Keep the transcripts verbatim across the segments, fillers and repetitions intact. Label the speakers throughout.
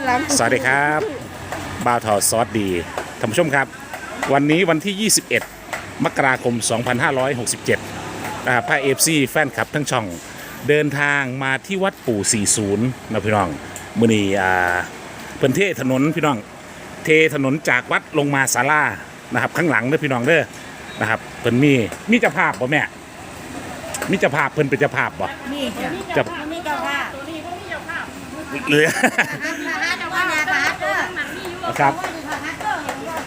Speaker 1: สวัสดีครับบ่าวทอซอสดีท่านผู้ชมครับวันนี้วันที่ ยี่สิบเอ็ด มกราคม สองพันห้าร้อยหกสิบเจ็ด นะครับพาเอฟซีแฟนคลับทั้งช่องเดินทางมาที่วัดปู่ สี่สิบ นะพี่น้องมื้อนี้อ่าเพิ่นเทถนนพี่น้องเทถนนจากวัดลงมาศาลานะครับข้างหลังเด้อพี่น้องเด้อนะครับเพิ่นมีมีเจ้าภาพบ่แม่มีเจ้าภาพเพิ่นเป็นเจ้าภาพบ่
Speaker 2: นี่จ้ะ
Speaker 1: เจ้า
Speaker 2: มีเจ้าภาพ
Speaker 1: เหลือ
Speaker 2: พระเจ้าว่านาพระเจ้า
Speaker 1: ครับ
Speaker 2: พระเจ้าเห็นว่าไป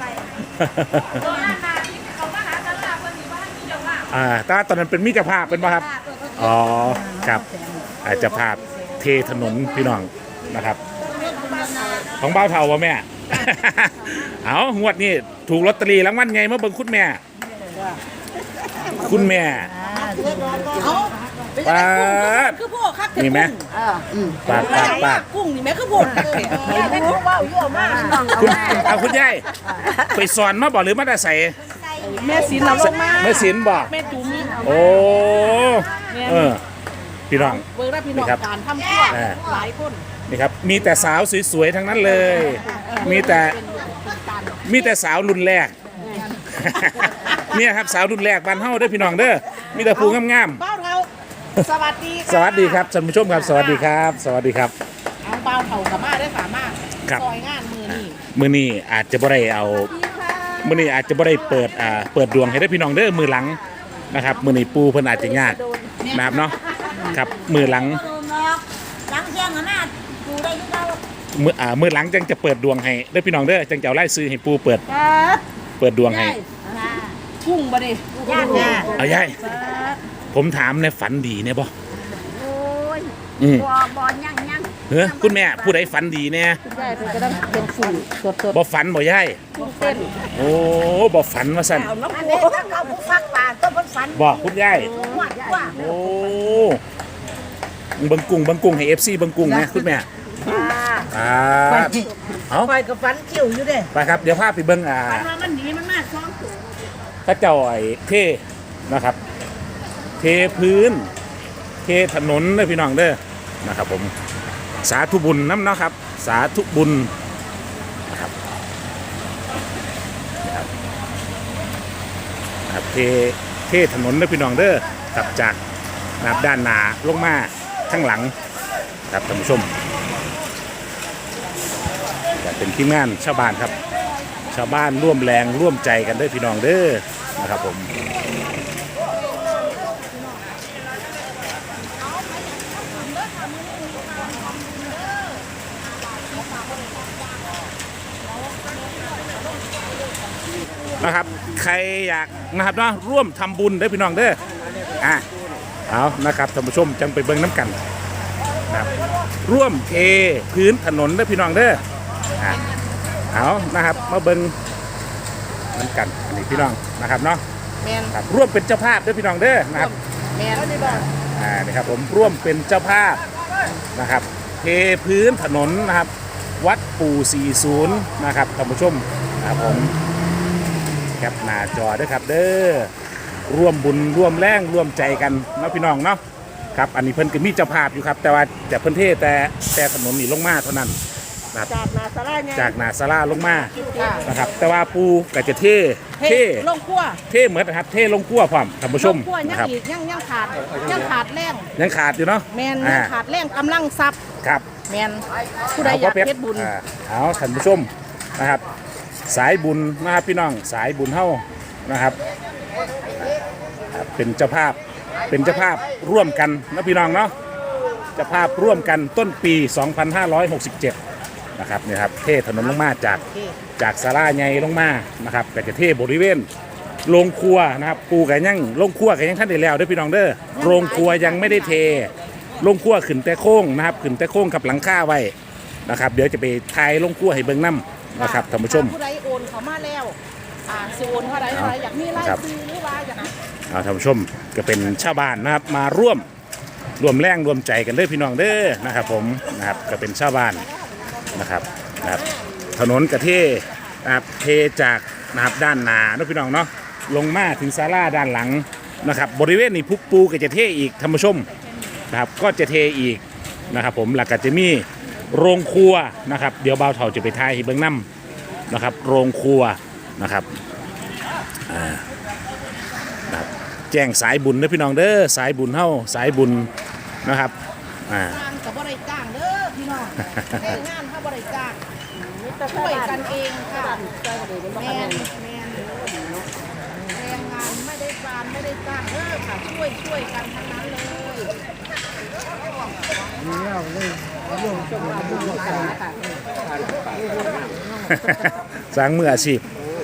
Speaker 1: อ่าแต่ว่าตอนนั้นเป็นมิตรภาพเป็นป่ะครับอ๋อครับอาจจะภาพเทถนนพี่น้องนะครับของบ้าวเทาวะแม่ เอางวดนี้ถูกลอตเตอรี่รางวัลไงเมื่อเบิ่งคุณแม่ คุณแม่
Speaker 2: เขา
Speaker 1: ปาด
Speaker 2: คือพวกคัก
Speaker 1: มีไหมปาดปาดปาด
Speaker 2: กุ้งนี่แม่คือพวกไม่รู้ว่าเยอะมาก
Speaker 1: คุณเอาคุณยายไปสอนมาบอกหรือมาได้ใส่
Speaker 2: แม่สินเราลงมา
Speaker 1: แม่ศิลป์บอก
Speaker 2: แม่จุ๋ม
Speaker 1: โอ้เออพี่น้อง
Speaker 2: เบิร์ดพี่น้องการทำชั่วหลายคน
Speaker 1: นี่ครับมีแต่สาวสวยๆทั้งนั้นเลย มีแต่มีแต่สาวรุ่นแรก เนี่ยครับสาวรุ่นแรกบ้านเฮาเด้อพี่น้องเด้อมีแต่ผู้งาม
Speaker 2: เบ้าเทาสวัสดี
Speaker 1: ๆสวัสดีครับท่านผู้ชมครับสวัสดีครับ สวัสดีครับ
Speaker 2: เอาเบ้าเทากับมาได้สามารถ
Speaker 1: ครับ
Speaker 2: ซอยงานมือนี่
Speaker 1: มื้อนี้อาจจะบ่ได้เอามื้อนี้อาจจะบ่ได้เปิดอ่าเปิดดวงให้ได้อพี่น้องเด้อมือหลังนะครับมื้อนี้ปูเพิ่นอาจจะยากนะครับเนาะครับมือหลัง
Speaker 2: หลังเที่ยงหน้าดูได้ยุเรา
Speaker 1: มืออ่ามือหลังจังจะเปิดดวงให้ได้อพี่น้องเด้อจังจะเอาไล่ซื้อให้ปูเปิดเปิดดวงให้
Speaker 2: กุ้งบ่ดิย่างย่า
Speaker 1: เอายายผมถามในฝันดีเนี่ยบ่
Speaker 3: โอ้ย
Speaker 1: อืม
Speaker 3: บอบอยังยัง
Speaker 1: เฮ้ยคุณแม่ผู้ใดฝันดีเนี่ย
Speaker 2: ย่าเป็นกระดังเป็นฝุ่นสด
Speaker 1: บ่ฝันบ่ยาย
Speaker 2: ๆกุ้งเต้น
Speaker 1: โอ้บ่ฝันว่าซั่น
Speaker 3: อันนี้ถ้าเขาผู้ฟักป่าก็มันฝัน
Speaker 1: บอกคุณยาย
Speaker 3: หวัดว่า
Speaker 1: โอ้เบิ่งกุ้งเบิ่งกุ้งให้ เอฟ ซี เบิ่งกุ้งนะคุณแม่อ่าเอา
Speaker 3: คอยกับฝันคิ้วอยู่เด้
Speaker 1: ไปครับเดี๋ยวพาไปเบิ่งอ่า
Speaker 2: ฝันว่ามันหนีมันมาซ้อม
Speaker 1: พระเจ้าไอ้เทนะครับ เทพื้น เทถนนเด้อพี่น้องเด้อนะครับผมสาธุบุญน้ำเนาะครับ สาธุบุญนะครับนะครับนะครับเทเทถนนเด้อพี่น้องเด้อครับจากนะครับด้านหน้าลงมาข้างหลังครับท่านผู้ชมจะเป็นทีมงานชาวบ้านครับ ชาวบ้านร่วมแรงร่วมใจกันเด้อพี่น้องเด้อนะครับผมนะครับใครอยากนะครับเนาะร่วมทำบุญเด้อพี่น้องเด้ออ่ะเอานะครับท่านผู้ชมจังไปเบิ่งน้ำกันนะครับร่วมเทพื้นถนนเด้อพี่น้องเด้ออ่ะเอานะครับมาเบิ่งน้ำกันอันนี้พี่น้องนะครับเนาะ
Speaker 2: แมน
Speaker 1: ครับร่วมเป็นเจ้าภาพเด้อพี่น้องเด้อนะครับ
Speaker 2: แมน
Speaker 1: อ่านี่ครับผมร่วมเป็นเจ้าภาพนะครับเทพื้นถนนนะครับวัดปู่ สี่สิบ นะครับท่านผู้ชมนะครับผมแคปหน้าจอด้วยครับเด้อร่วมบุญร่วมแรงร่วมใจกันเนาะพี่น้องเนาะครับอันนี้เพิ่นก็มีเจ้าภาพอยู่ครับแต่ว่าแต่เพิ่นเทแต่แต่ถนนนี่ลงมาเท่านั้นนะครับ
Speaker 2: จากนาซาร่าไง
Speaker 1: จากหนาสลาลงมานะครับแต่ว่าปูก็จะเทเท
Speaker 2: เท่ลงขั้ว
Speaker 1: เทเหมือนนะครับเทลงกั้วพร้อมท่านผู้ชม
Speaker 2: ลงขั้วยั
Speaker 1: นะ
Speaker 2: ง
Speaker 1: ครับ
Speaker 2: อีกยังยังขาดยังขาดแรง
Speaker 1: ยังขาดอยู่เนาะ
Speaker 2: แมน
Speaker 1: อ่า
Speaker 2: ยังขาดแรงกำลังซับ
Speaker 1: ครับ
Speaker 2: แมนผู้ใดอยากเฮ็ดบุญ
Speaker 1: อ่าเอาท่านผู้ชมนะครับ สายบุญนะครับพี่น้องสายบุญเฮานะครับอ่าเป็นเจ้าภาพเป็นเจ้าภาพร่วมกันนะพี่น้องเนาะเจ้าภาพร่วมกันต้นปี สองพันห้าร้อยหกสิบเจ็ด นะครับเนี่ยครับเทถนนลงมาจากจากศาลาใหญ่ลงมานะครับก็จะเทบริเวณโรงครัวนะครับปูกันยังโรงครัวกันยังท่านได้แล้วเด้อพี่น้องเด้อโรงครัวยังไม่ได้เทโรงครัวขึ้นแต่โค้งนะครับขึ้นแต่โค้งกับหลังคาไว้นะครับเดี๋ยวจะไปทายโรงครัวให้เบิ่งน้ำนะครับท่านผู้ชม
Speaker 2: ผู้ใดโอนเขามาแล้วอ่าสิโอนเท่าใดเท่าใดอยากมีรายซื้อหรือว่าอยาก
Speaker 1: เอาท่านผู้ชมก็เป็นชาวบ้านนะครับมาร่วมร่วมแรงร่วมใจกันเด้อพี่น้องเด้อนะครับผมนะครับก็เป็นชาวบ้านนะครับนะครับถนนกระเทนะครับเทจากนะครับด้านหน้าเนาะพี่น้องเนาะลงมาถึงศาลาด้านหลังนะครับบริเวณนี้พุกปูก็จะเทอีกท่านผู้ชมนะครับก็จะเทอีกนะครับผมหลักก็จะมีโรงครัวนะครับเดี๋ยวบ่าวเฒ่าจะไปทายให้เบิ่งนํนะครับโรงครัวนะครับอ่านะครับแจ้งสายบุญเด้อพี่น้องเด้อสายบุญเฮาสายบุญนะครับอ่า
Speaker 2: จ้างกับบริจ้างเด้อพี่น้องแต่งานถ้าบริจ้างช่วยกันเองค่ะแมนแมนแรงงานไม่ได้การไม่ได้จ้างเด้อค่ะช่วยช่วยกันทั้งนั้นเลย
Speaker 1: สร้างมืออาชีพ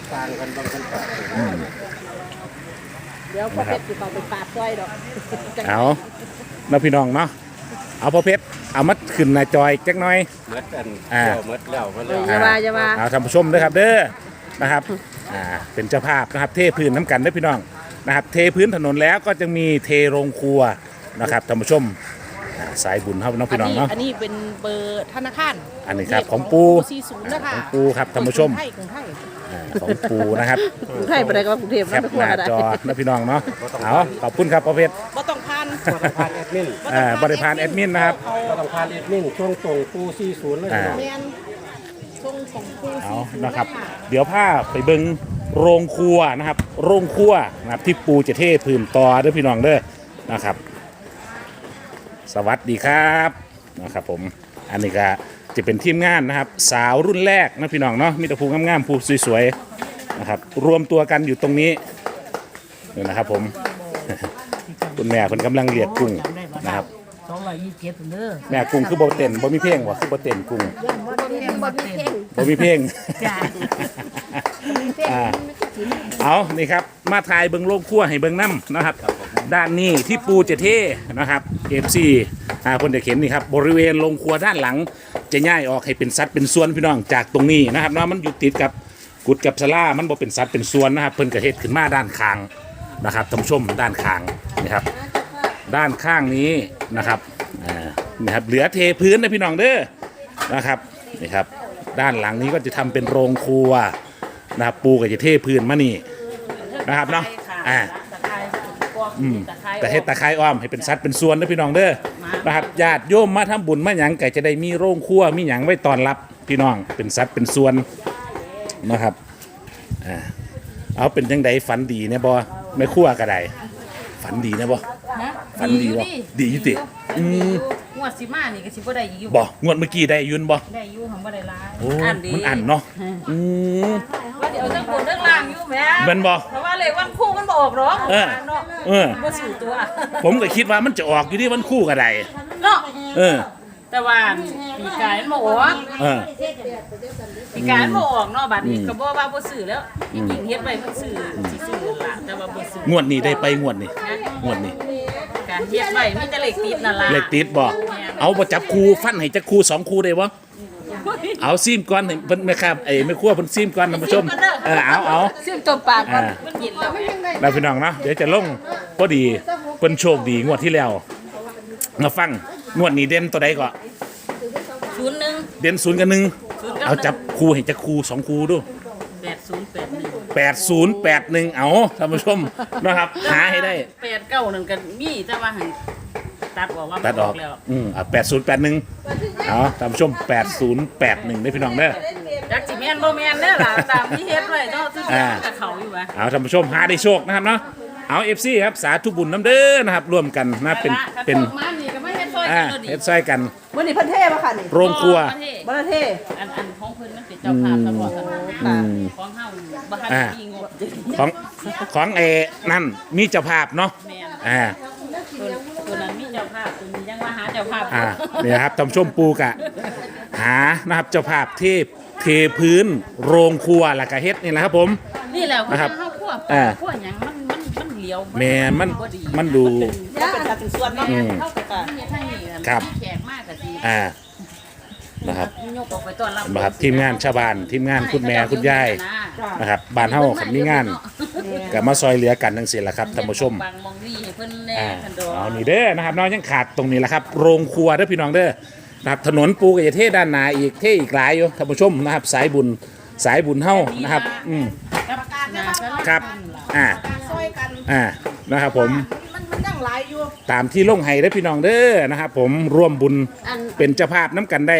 Speaker 2: เดี๋ยวพอเพชรสิเขาไปปาดจ้อยดอก
Speaker 1: เอาเนาะพี่น้องเนาะเอาพ่อเพชรเอามัดขึ้นหน้าจอยจักหน่อย
Speaker 4: เมดอัน
Speaker 1: อ่า
Speaker 4: เดียวเมดแล้วเมดแล้ว
Speaker 2: อย่าว่าอย่าว่า
Speaker 1: เอาท่านผู้ชมด้วยครับเด้อนะครับอ่าเป็นเจ้าภาพนะครับเทพื้นน้ำกันเด้อพี่น้องนะครับเทพื้นถนนแล้วก็จะมีเทโรงครัวนะครับท่านผู้ชมอ่าสายบุญครับน้องพี่น้องเนาะ
Speaker 2: อันนี้เป็นเบอร์ธนาคาร
Speaker 1: อันนี้ครับของปู
Speaker 2: สี่ศูนย์นะคะ
Speaker 1: ของปูครับท่านผู้ชม
Speaker 2: ไทยของไทย
Speaker 1: อ่าของปูนะครับ
Speaker 2: กรุงไทยไปได้ก็กรุงเทพ
Speaker 1: แคปหน้าจอนะพี่น้องเนาะเอาขอบคุณครับพ่อเพชร
Speaker 2: บ่ต้องพัน
Speaker 4: ก็ต้องผ่านแอดมิน
Speaker 1: อ่าบริพารแอดมินนะครับ
Speaker 4: ก็ต้องผ่านแอดมินช่วงส่งปูสี่ศูนย์เลย
Speaker 1: อ่า
Speaker 2: แมนทรงของปู
Speaker 1: เอา
Speaker 2: สี่ศูนย์
Speaker 1: นะครับ
Speaker 2: ค่ะ
Speaker 1: เดี๋ยวพาไปเบิงโรงครัวนะครับ โรงครัวนะครับที่ปูจะเทพื้นต่อเด้อพี่น้องเด้อนะครับ สวัสดีครับนะครับผมอันนี้ก็จะเป็นทีมงานนะครับ สาวรุ่นแรกนะพี่น้องเนาะมีแต่ภูงามๆภูสวยๆนะครับรวมตัวกันอยู่ตรงนี้นี่นะครับผม คุณแม่คนกำลังเลียดกุ้งนะครับ
Speaker 3: สองร้อยยี่สิบเจ็ดเด้อ
Speaker 1: แม่กุ้งคือโบเต้นบ่มีเพลงวะคือโบเต้นกุ้ง
Speaker 3: บ่มีเพลงบ่มีเพลง
Speaker 1: บ่มีเพลง
Speaker 3: จ้ามีเพลง
Speaker 1: อ่า เอานี่ครับมาถ่ายเบิงโลกขั้วให้เบิงน้ำนะครับ ด้านนี้ที่ปูจะเทนะครับเอฟซีอ่าคนจะเข็นนี่ครับบริเวณโรงครัวด้านหลังจะย่ายออกให้เป็นสัดเป็นส่วนพี่น้องจากตรงนี้นะครับเนาะมันอยู่ติดกับกุดกับสลามันบ่เป็นสัดเป็นส่วนนะครับเพิ่นกระเฮ็ดขึ้นมาด้านข้างนะครับท่านผู้ชมด้านข้างนะครับด้านข้างนี้นะครับอ่านะครับเหลือเทพื้นนะพี่น้องเด้อนะครับนี่ครับด้านหลังนี้ก็จะทำเป็นโรงครัวนะครับปูก็จะเทพื้นมานี่นะครับเนาะอ่า อืมแต่เฮ็ดตะไคร้อ้อมให้เป็นสัดเป็นส่วนนะพี่น้องเด้อนะครับญาติโยมมาทำบุญมาหยังก็จะได้มีโรงครัวมีหยังไว้ต้อนรับพี่น้องเป็นสัดเป็นส่วนนะครับอ่าเอาเป็นจังไดฝันดีเนี่ยบ่ไม่ครัวก็ได้ฝันดีนะบ่
Speaker 5: ฮะ
Speaker 1: ฝันดีบ่ดีอยู่ติอืม
Speaker 5: งวดสิมานี่ก็สิบ่ได้อยู่
Speaker 1: บ่งวดเมื่อกี้ได้อยืนบ่
Speaker 5: ได้อยู่หังบ่ได้หลาย
Speaker 1: โอ้
Speaker 5: อันดี
Speaker 1: มันอันเนาะอืม
Speaker 5: ว่าเดี๋ยวทั้งบนทั้งล่างอยู่แหม่
Speaker 1: แม่นบ่
Speaker 5: เพราะว่าเลขวันคู่มันบ่ออกหรอก
Speaker 1: เออ
Speaker 5: เนาะ
Speaker 1: เออ
Speaker 5: บ่สู่ตัว
Speaker 1: ผมก็คิดว่ามันจะออกอยู่ที่วันคู่ก็ได้
Speaker 5: เนาะ
Speaker 1: เออ
Speaker 5: แต่ว่าปีกายมันบ่ออก
Speaker 1: เออ
Speaker 5: ปีกายมันบ่ออกเนาะบัดนี้ก็บ่ว่าบ่ซื้อแล้วจริงๆเฮ็ดไว้เพิ่นซื้อสิซื้อล่ะแต่ว่าบ่ซื้อง
Speaker 1: วดนี้ได้ไปงวดนี้งวดนี้
Speaker 5: การเฮ็ดไว้มีแต่เลขติดนั่นล่ะ
Speaker 1: เลขติดบ่เอาบ่จับคู่ฟันให้จักคู่สองคู่ได้บ่เอาซีมก่อนให้เพิ่นแม่ครับไอ้แม่ครัวเพิ่นซีมก่อนท่านผู้ชมเออเอาเอา
Speaker 5: ซึ่งจมปากก่อน
Speaker 1: อ่า
Speaker 5: มันกินแล้วแหม่
Speaker 1: เราพี่น้องเนาะเดี๋ยวจะลงพอดีเพิ่นโชคดีงวดที่แล้วมาฟังงวดนี้เด่นตัวใดก็
Speaker 5: ศูนย์หนึ่ง
Speaker 1: เด่นศูนย์กับหนึ่ง
Speaker 5: ศูนย์กับหนึ่ง
Speaker 1: เอาจับคู่ให้จักคู่สองคู่ดู
Speaker 5: แปดศูนย์แปดหนึ่ง
Speaker 1: แปดศูนย์แปดหนึ่งเอาท่านผู้ชมนะครับหาให้ได้
Speaker 5: แปดเก้าหนึ่งกันมีแต่ว่าหันตัดออกว่า
Speaker 1: ตัดออก
Speaker 5: แล้ว
Speaker 1: อืมอ่ะแปดศูนย์แปดหนึ่งเอาท่านผู้ชมแปดศูนย์แปดหนึ่งได้พี่น้องเด้อ
Speaker 5: จักสิแม่นบ่แม่นเด้อล่ะตามที่เฮ็ดไว้เนาะซึ่ง
Speaker 1: อ่า
Speaker 5: กับเขาอยู่ว่ะ
Speaker 1: เอาท่านผู้ชมหาได้โชคนะครับเนาะเอาเอฟซีครับสาธุบุญน้ำเด้อนะครับร่วมกันนะเป็นเป็น
Speaker 5: กระทงมานี่ก็ไม่เฮ็ดซอย
Speaker 1: อ่า
Speaker 5: กัน
Speaker 1: เฮ็ดซอยกัน
Speaker 2: วันนี้เพันเทพอะค่ะนี่
Speaker 1: โรงครัว
Speaker 5: ประเทศ
Speaker 2: ประเทศ
Speaker 5: อันอันของเพิ่นมันเป็นเจ้าภาพตลอดกัน
Speaker 1: อืม
Speaker 5: ของเฮาบ่ทัน
Speaker 1: อ่า
Speaker 5: มีงบ
Speaker 1: ของของเอนั่นมีเจ้าภาพเนาะ
Speaker 5: แม่น
Speaker 1: อ่า
Speaker 5: ตัวตัวนั้นมีเจ้าภาพตัวนี้ยังว่าหาเจ้าภาพ
Speaker 1: อ่าเนี่ยครับท่านผู้ชมปูกะ หานะครับเจ้าภาพเทพเทพื้นโรงครัวแล้วก็เฮ็ดนี่แหละครับผม
Speaker 5: นี่แหละ
Speaker 1: นะครับ
Speaker 5: เฮาคั่ว
Speaker 1: อ่า
Speaker 5: คั่วหยังมันมันมันเหลียว
Speaker 1: แม่นมัน
Speaker 5: บ่ดี
Speaker 1: มันดู
Speaker 2: จะเป็นการเป็นส่วนเนาะ
Speaker 1: อืม
Speaker 5: เฮาก็ตเฮ็ดทางนี้น่ะ
Speaker 1: ครับ
Speaker 5: แขกมากก็สิ
Speaker 1: อ่านะครับ
Speaker 5: ยกออกไปต้อนรับ
Speaker 1: นะครับทีมงานชาวบ้านทีมงานคุณแม่คุณยายนะครับบ้านเฮาคันมีงานก็มาซอยเหลือกันทั้งสิ้นแหละครับท่านผู้ชม
Speaker 5: บางมองนี่ให้เพิ่นแน่
Speaker 1: อ่า
Speaker 5: คันดอก
Speaker 1: เอานี่เด้อนะครับน้องยังขาดตรงนี้แหละครับโรงครัวเด้อพี่น้องเด้อนะครับถนนปูกับเทด้านหนาอีกเทอีกหลายอยู่ท่านผู้ชมนะครับสายบุญสายบุญเฮานะครับอืม
Speaker 2: ประกาศเนี่ยว่า
Speaker 1: ครับอ่า
Speaker 2: การซอยกัน
Speaker 1: อ่านะครับผม
Speaker 2: มันมันยังหลายอยู่
Speaker 1: ตามที่ลงให้เด้อพี่น้องเด้อนะครับผมร่วมบุญเป็นเจ้าภาพน้ำกันได้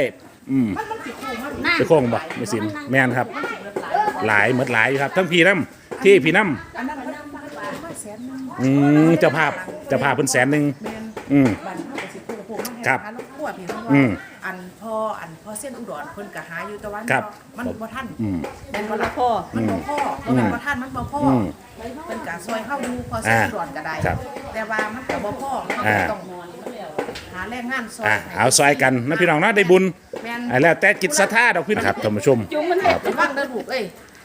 Speaker 1: อืม
Speaker 2: มันมันสิโค้งมัน
Speaker 1: จะโค้งบ่ไม่สินแม่นครับ หลายหมดหลายอยู่ครับ ทั้งพี่น้ำที่พี่น้
Speaker 2: อันนั้นมันมันมาแสนหนึง
Speaker 1: ำอืมเจ้าภาพเจ้าภาพเพิ่นแสนหนึ่ง
Speaker 2: แม่น
Speaker 1: อืม
Speaker 2: บันเฮาก็สิโค้งโค้งมาให้
Speaker 1: ครับ
Speaker 2: หาลูกขั้วพี่น้อง
Speaker 1: อื
Speaker 2: ว่าม อันพออันพอเส้นอุดรเพิ่นก็หาอยู่แต่ว่า
Speaker 1: ครับ
Speaker 2: มันบ่ทัน
Speaker 1: อืม
Speaker 2: แม่นบ่ล่ะพ่อมันบ่พ่อบ่แม่นบ่ทันมันบ่พ่ออ
Speaker 1: ม
Speaker 2: เพิ่นก็ซอยเฮาอยู่พอเส้น
Speaker 1: อ่า
Speaker 2: อุดรก็ได้
Speaker 1: ครับ
Speaker 2: แต่ว่ามันก็บ่พ่อมัน
Speaker 1: อ่า
Speaker 2: ก็ต้องหาแรงงานซอย
Speaker 1: อ่ะ
Speaker 2: ให้
Speaker 1: เอาซอยกันนะพี่น้องเนาะได้บุญ
Speaker 2: แม่น
Speaker 1: อ่ะแล้วแต่จิตศรัทธาดอกพี่น้องครับท่านผู้ชม
Speaker 5: จุงมัน
Speaker 2: ระวังเด้อลูกเอ้ย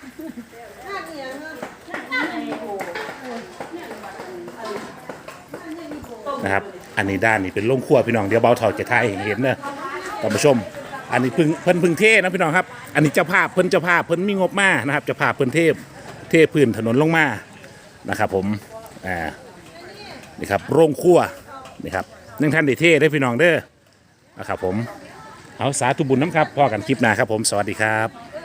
Speaker 1: นะครับ อันนี้ด้านนี้เป็นโรงครัวพี่น้องเดี๋ยวเบาเถาจะทายให้เห็นเนอะท่านผู้ชม อันนี้เพึ่งเพิ่นเพึ่งเทนะพี่น้องครับ อันนี้เจ้าภาพเพิ่นเจ้าภาพเพิ่นมีงบมานะครับเจ้าภาพเพิ่นเทพเทพื้นถนนลงมานะครับผมอ่านี่ครับโรงครัวนี่ครับนึ่งท่านได้เทได้อพี่น้องเด้อนะครับผมเอาสาธุบุญน้ำครับพอกันคลิปหน้าครับผมสวัสดีครับ